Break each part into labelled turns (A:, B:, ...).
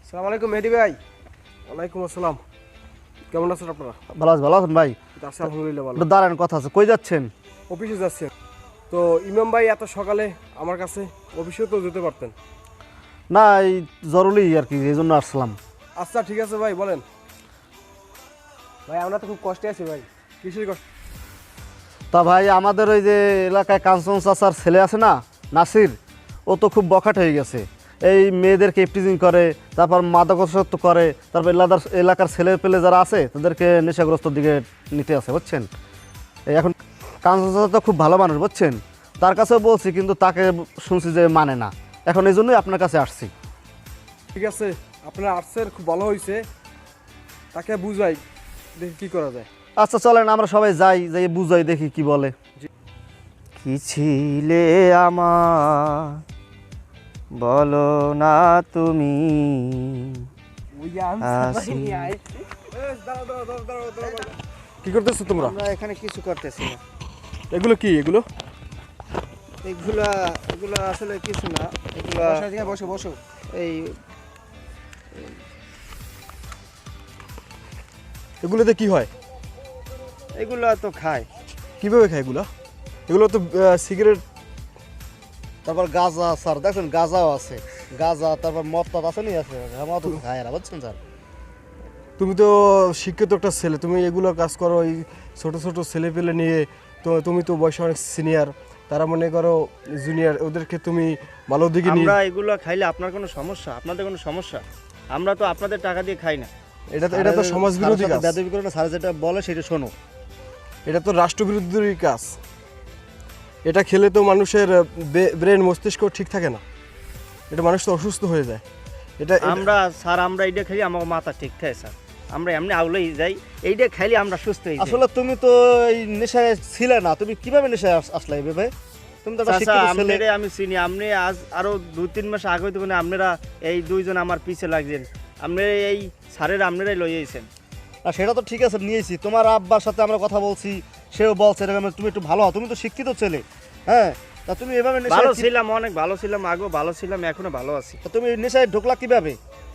A: আসসালামু আলাইকুম মেহেদী ভাই। ওয়ালাইকুম আসসালাম। কেমন আছেন আপনারা?
B: ভালো আছেন ভাই?
A: আছি আলহামদুলিল্লাহ ভালো।
B: একটু দাঁড়ান, কথা আছে। কই যাচ্ছেন?
A: অফিসে যাচ্ছেন? তো ইমাম ভাই এত সকালে আমার কাছে, অফিসেও তো যেতে পারতেন।
B: না, এই জরুরি আর কি, এই জন্য আসলাম।
A: আচ্ছা ঠিক আছে ভাই, বলেন। ভাই আমরা তো খুব কষ্টে আছি ভাই। কিসের কষ্ট?
B: তা ভাই, আমাদের ওই যে এলাকায় কাঞ্চন চাচার ছেলে আছে না, নাসির, ও তো খুব বখাট হয়ে গেছে। এই মেয়েদেরকে ইফটিজিং করে, তারপর মাদকাসক্ত করে, তারপর এলাকার ছেলে পেলে যারা আছে তাদেরকে নেশাগ্রস্ত দিকে নিতে আছে, বুঝছেন। এই এখন কাঞ্চন চাচা তো খুব ভালো মানুষ, বুঝছেন। তার কাছেও বলছি, কিন্তু তাকে শুনছি যে মানে না। এখন এই জন্যই আপনার কাছে আসছি।
A: ঠিক আছে, আপনার আর্টসের খুব ভালো হয়েছে, তাকে বুঝাই, দেখি কী করা যায়।
B: আচ্ছা চলেন, আমরা সবাই যাই, যাই বুঝাই, দেখি কি বলে। কি ছিলে আমার, বলো না তুমি।
A: কি করতেছো তোমরা?
B: আমরা এখানে কিছু করতেছি না।
A: এগুলো কি? এগুলো
B: এগুলা আসলে কিছু না। এগুলা
A: বসো বসো।
B: এই
A: এগুলোতে কি হয়?
B: এগুলা তো খায়।
A: কিভাবে খায় এগুলো? এগুলো তো সিগারেট।
B: তারপর গাঁজা, স্যার দেখছেন গাঁজাও আছে, গাঁজা, তারপর মদ টদ আছে নি, আছে আমার তো খায় না, বুঝছেন স্যার।
A: তুমি তো শিক্ষিত একটা ছেলে, তুমি এগুলো কাজ করো, এই ছোট ছোট ছেলে পেলে নিয়ে। তো তুমি তো বয়সে অনেক সিনিয়র, তারা মনে করো জুনিয়র, ওদেরকে তুমি ভালো দিকে নিয়ে।
C: আমরা এগুলো খাইলে আপনার কোনো সমস্যা? আপনাদের কোনো সমস্যা? আমরা তো আপনাদের টাকা দিয়ে খাই না।
A: এটা তো সমাজ বিরোধী কাজ।
B: বেদবি করে না, স্যার যেটা বলে সেটা শোনো।
A: এটা তো রাষ্ট্রবিরোধী কাজ। এটা খেলে তো মানুষের ব্রেন মস্তিষ্ক ঠিক থাকে না, এটা মানুষ তো অসুস্থ হয়ে যায়।
C: আমরা এইটা খাইলে আমার মাথা ঠিক থাকে স্যার। আমরা এমনি আউলেই যাই, এইটা খাইলে আমরা সুস্থ হয়ে যাই।
B: আসলে তুমি তো এই নেশায় ছিলে না, তুমি কিভাবে নেশায় আসলে ভেবে? তুমি তো একটা
C: চাচা,
B: শিক্ষিত ছেলে।
C: আপনারে আমি চিনি। আপনি আজ আরো 2-3 মাস আগে হইতে মানে আপনারা এই দুইজন আমার পিছে লাগছেন। আপনি এই স্যারের আপনারাই লই আইছেন।
B: আর সেটা তো ঠিক আছে, নিয়েছি। তোমার আব্বার সাথে আমরা কথা বলছি, সেও বলছে এরকম তুমি একটু ভালো হও, তুমি তো শিক্ষিত ছেলে। হ্যাঁ, তা তুমি এভাবে
C: ভালো
B: নেশায়
C: ছিলাম, অনেক ভালো ছিলাম, আগেও ভালো ছিলাম, এখনো ভালো আছি।
B: তা তুমি নেশায় ঢুকলা কিভাবে?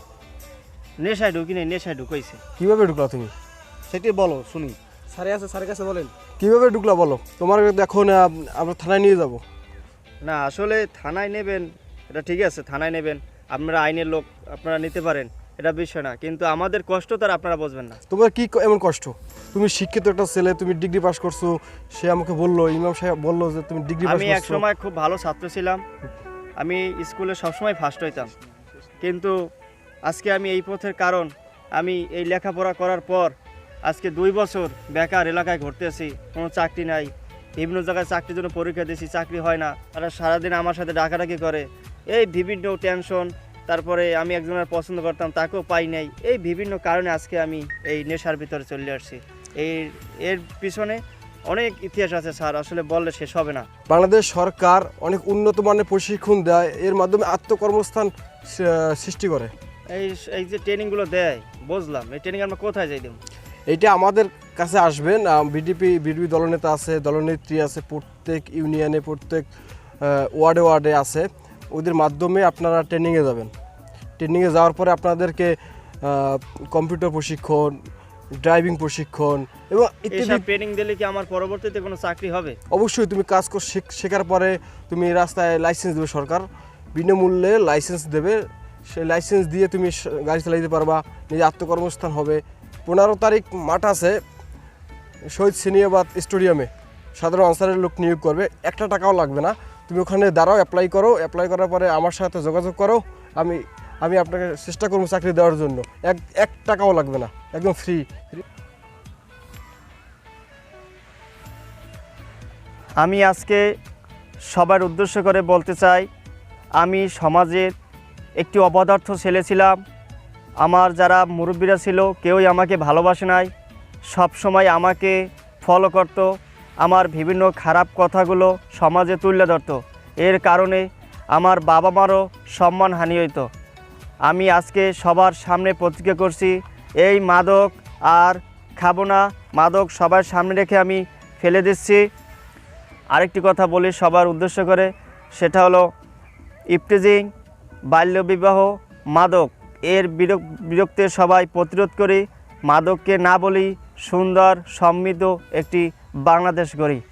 C: নেশায় ঢুকি নাই, নেশায় ঢুকাইছে।
A: কিভাবে ঢুকলা তুমি?
B: সেটাই বলো শুনি।
A: স্যারে আছে, স্যারের কাছে বলেন কিভাবে ঢুকলা বলো। তোমার এখন আমরা থানায় নিয়ে যাব।
C: না আসলে থানায় নেবেন, এটা ঠিক আছে, থানায় নেবেন, আপনারা আইনের লোক, আপনারা নিতে পারেন, এটা বিষয় না। কিন্তু আমাদের কষ্ট তো আর আপনারা বুঝবেন না।
A: তোমার কি এমন কষ্ট? তুমি শিক্ষিত একটা ছেলে, তুমি ডিগ্রি পাস করছো। সে আমাকে বললো, ইমাম সাহেব বললো যে তুমি ডিগ্রি পাস
C: আমি এক
A: করছো।
C: সময় খুব ভালো ছাত্র ছিলাম, আমি স্কুলে সবসময় ফার্স্ট হইতাম। কিন্তু আজকে আমি এই পথের কারণ, আমি এই লেখাপড়া করার পর আজকে 2 বছর বেকার এলাকায় ঘুরতেছি, কোনো চাকরি নাই। বিভিন্ন জায়গায় চাকরির জন্য পরীক্ষা দিয়েছি, চাকরি হয় না। তারা সারাদিন আমার সাথে ডাকাডাকি করে, এই বিভিন্ন টেনশন। তারপরে আমি একজনের পছন্দ করতাম, তাকেও পাই নাই। এই বিভিন্ন কারণে আজকে আমি এই নেশার ভিতরে চলে আসছি। এর পিছনে অনেক ইতিহাস আছে স্যার, আসলে বললে শেষ হবে না।
A: বাংলাদেশ সরকার অনেক উন্নত মানের প্রশিক্ষণ দেয়, এর মাধ্যমে আত্মকর্মস্থান সৃষ্টি করে।
C: এই যে ট্রেনিংগুলো দেয়, বুঝলাম, এই ট্রেনিং আমরা কোথায় যাই দেব?
A: এইটা আমাদের কাছে আসবেন। বিডিপি দলনেতা আছে, দলনেত্রী আছে, প্রত্যেক ইউনিয়নে, প্রত্যেক ওয়ার্ডে ওয়ার্ডে আছে। ওদের মাধ্যমে আপনারা ট্রেনিংয়ে যাবেন। ট্রেনিংয়ে যাওয়ার পরে আপনাদেরকে কম্পিউটার প্রশিক্ষণ, ড্রাইভিং প্রশিক্ষণ এবং ইত্যাদি।
C: এইসব ট্রেনিং দিলে কি আমার পরবর্তীতে কোনো চাকরি হবে?
A: অবশ্যই তুমি কাজ শেখার পরে তুমি রাস্তায় লাইসেন্স দেবে, সরকার বিনামূল্যে লাইসেন্স দেবে। সেই লাইসেন্স দিয়ে তুমি গাড়ি চালাইতে পারবা, নিজে আত্মকর্মস্থান হবে। 15 তারিখ মাঠ আছে শহীদ সিনিয়াবাদ স্টেডিয়ামে, সাধারণ আনসারের লোক নিয়োগ করবে। 1 টাকাও লাগবে না, তুমি ওখানে দাঁড়াও, অ্যাপ্লাই করো। অ্যাপ্লাই করার পরে আমার সাথে যোগাযোগ করো, আমি আপনাকে চেষ্টা করবো চাকরি দেওয়ার জন্য। 1 টাকাও লাগবে না, একদম ফ্রি।
C: আমি আজকে সবার উদ্দেশ্য করে বলতে চাই, আমি সমাজের একটি অপদার্থ ছেলে ছিলাম। আমার যারা মুরব্বীরা ছিল কেউই আমাকে ভালোবাসে নাই, সব সময় আমাকে ফলো করত, আমার বিভিন্ন খারাপ কথাগুলো সমাজে তুলে ধরত। এর কারণে আমার বাবা মারও সম্মানহানি হইতো। আমি আজকে সবার সামনে প্রতিজ্ঞা করছি, এই মাদক আর খাবো না। মাদক সবার সামনে রেখে আমি ফেলে দিচ্ছি। আরেকটি কথা বলি সবার উদ্দেশ্য করে, সেটা হলো ইফটিজিং, বাল্যবিবাহ, মাদক এর বিরুদ্ধে সবাই প্রতিরোধ করি, মাদককে না বলি, সুন্দর সমৃদ্ধ একটি বাংলাদেশ গড়ি।